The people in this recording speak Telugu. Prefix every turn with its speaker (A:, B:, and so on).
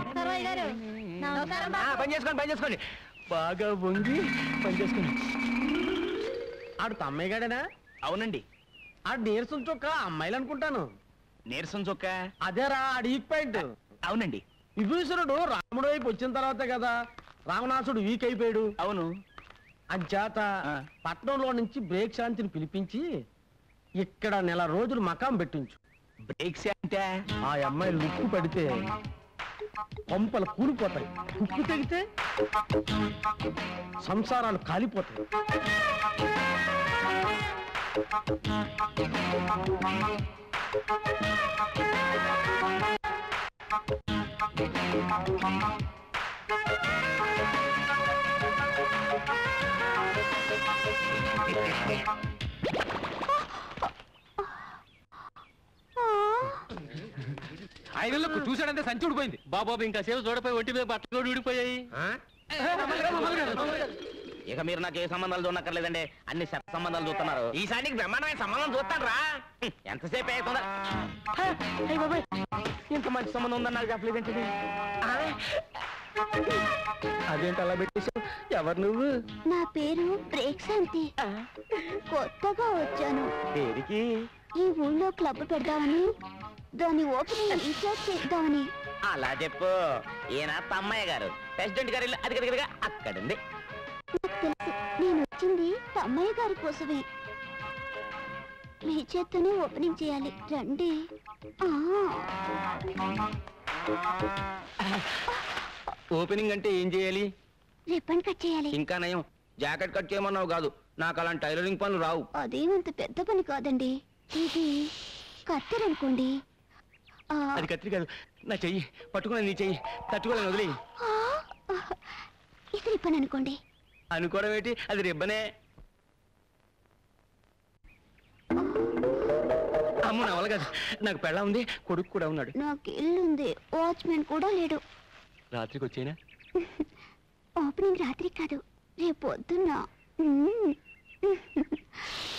A: పని చేసుకోండి బాగా వంగి పని చేసుకోండి. ఆడు తమ్మయ్య గాడేనా? అవునండి. ఆడు నీరసం చొక్క అమ్మాయిలు అనుకుంటాను. నీరసం చొక్క అదేరా ఆడు ఈక్ పాయింట్. అవునండి. విభీషణుడు రాముడు వైపు వచ్చిన తర్వాతే కదా రావణాసుడు వీక్ అయిపోయాడు. అవును. అంచేత పట్నంలో నుంచి బ్రేక్ శాంతిని పిలిపించి ఇక్కడ నెల రోజులు మకాం పెట్టించు. బ్రేక్ శాంతి ఆ అమ్మాయి లుక్కు పడితే పంపలు కూలిపోతాయి, ఉప్పు తెగితే సంసారాలు కాలిపోతాయి.
B: ఐదులకు చూశాడంటే సంచి ఊడిపోయింది. బాబాబు ఇంకా సేపు చూడపోయి ఒంటి మీద బట్టలు కూడా ఊడిపోయాయి.
A: ఇక మీరు నాకు ఏ సంబంధాలు చూడక్కర్లేదండి, అన్ని సంబంధాలు చూస్తున్నారు. ఈసారికి బ్రహ్మాండమైన సంబంధం చూస్తాను రా. ఎంతసేపు అవుతుందా? ఇంత మంచి సంబంధం ఉందని నాకు చెప్పలేదేంటి? అదేంటి అలా పెట్టేశావు? ఎవరు నువ్వు?
C: నా పేరు బ్రేక్ శాంతి. కొత్తగా వచ్చాను.
A: పేరుకి
C: ఈ ఊళ్ళో క్లబ్ పెడదామని, దాని ఓపెనింగ్ ఇన్ఛార్జ్ చేద్దామని.
A: అలా చెప్పు. ఈయన తమ్మయ్య గారు, ప్రెసిడెంట్ గారు అది కదగా అక్కడుంది.
C: నాకు తెలుసు, నేను వచ్చింది తమ్మయ్య గారి కోసమే. మీ చేత్తోనే ఓపెనింగ్ చేయాలి, రండి.
A: ఓపెనింగ్ అంటే ఏం చేయాలి?
C: రిబ్బన్ కట్ చేయాలి.
A: ఇంకా నయం, జాకెట్ కట్ చేయమన్నావు కాదు. నాకు అలాంటి టైలరింగ్ పనులు రావు.
C: అదేమంత పెద్ద పని కాదండి. ఇది కత్తెరనుకోండి.
A: అది కత్తిరి కాదు, నా చెయ్యి పట్టుకున్నా. నీ చెయ్యి తట్టుకోలేను, వదిలే.
C: ఇది రిబ్బన్ అనుకోండి.
A: అనుకోవడం ఏంటి, అది రిబ్బనే. అమ్మ నా వల్ల కాదు, నాకు పెళ్ళ ఉంది, కొడుకు కూడా ఉన్నాడు.
C: నాకు ఇల్లుంది, వాచ్మెన్ కూడా లేడు.
A: రాత్రికి వచ్చేనా?
C: ఓపెనింగ్ రాత్రి కాదు, రేపు పొద్దున్న.